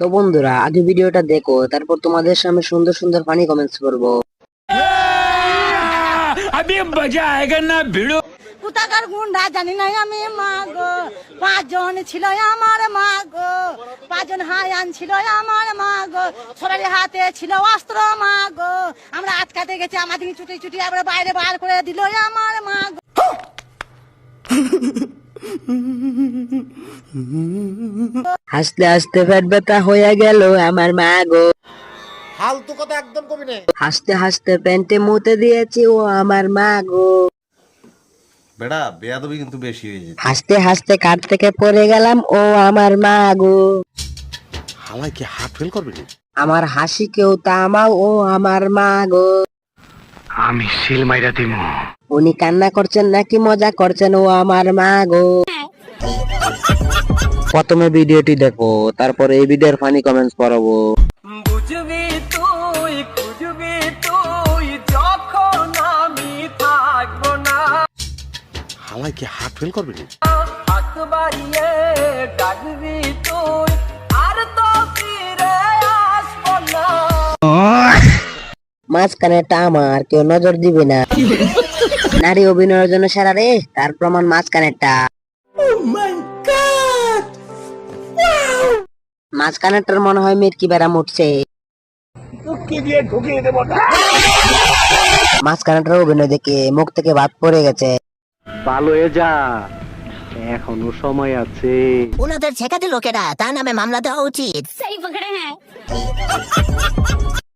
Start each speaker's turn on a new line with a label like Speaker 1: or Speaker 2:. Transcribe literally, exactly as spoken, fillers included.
Speaker 1: তো বন্ধুরা আগে ভিডিওটা দেখো, তারপর তোমাদের সামনে সুন্দর সুন্দর ফানি কমেন্টস করবো।
Speaker 2: अभी मजा आएगा ना भिड़ो।
Speaker 3: কোথাকার গুন্ডা জানি না আমি মা গো, পাঁচজন ছিল আমার মা গো, পাঁচজন হায়ান ছিল আমার মা গো, সবারই হাতে ছিল অস্ত্র মা গো, আমরা আটকাতে গেছি আমাদের ছুটি ছুটি আমরা বাইরে বার করে দিল আমার মা গো।
Speaker 1: হাসতে হাসতে পেট ব্যথা হয়ে গেল আমার মা গো,
Speaker 4: ফালতু কথা একদম কবি না।
Speaker 1: হাসতে হাসতে প্যান্টে মুতে দিয়েছি ও আমার মা গো,
Speaker 4: বেড়া বেয়াদবি কিন্তু বেশি হয়ে যেত।
Speaker 1: হাসতে হাসতে কাঠ থেকে পড়ে গেলাম ও আমার মা গো,
Speaker 4: হালাই কি হার্ট ফেল করবে রে?
Speaker 1: আমার হাসি কেউ থামাও ও আমার মা গো।
Speaker 2: আমি সিল মাইরা দিমু।
Speaker 1: উনি কান্না করছেন নাকি মজা করছেন ও আমার মা গো। প্রথমে ভিডিওটি দেখো, তারপরে এই ভিডিওর ফানি কমেন্টস পড়াবো।
Speaker 5: বুঝবি তুই খুঁজবি তুই যখন আমি থাকবো না,
Speaker 4: হালাই কি হার্ট ফেল করবে রে?
Speaker 5: হাত বাড়িয়ে ডাকবি তুই আর তো ফিরে আসবো না।
Speaker 1: মাঝখানেটা আমার, কেউ নজর দিবে না। নারী অভিনয়ের জন্য সেরা রে, তার প্রমাণ মাঝখানেরটা। মাঝখানেরটার মনে হয় মেটকি বেড়াম উঠছে। মাঝখানেরটার অভিনয় দেখে মুখ থেকে ভাত পড়ে গেছে।
Speaker 6: ভালো হয়ে যা, এখনো সময় আছে।
Speaker 7: ওনাদের ছেকাতে লোকেরা, তার নামে মামলা দেওয়া উচিত।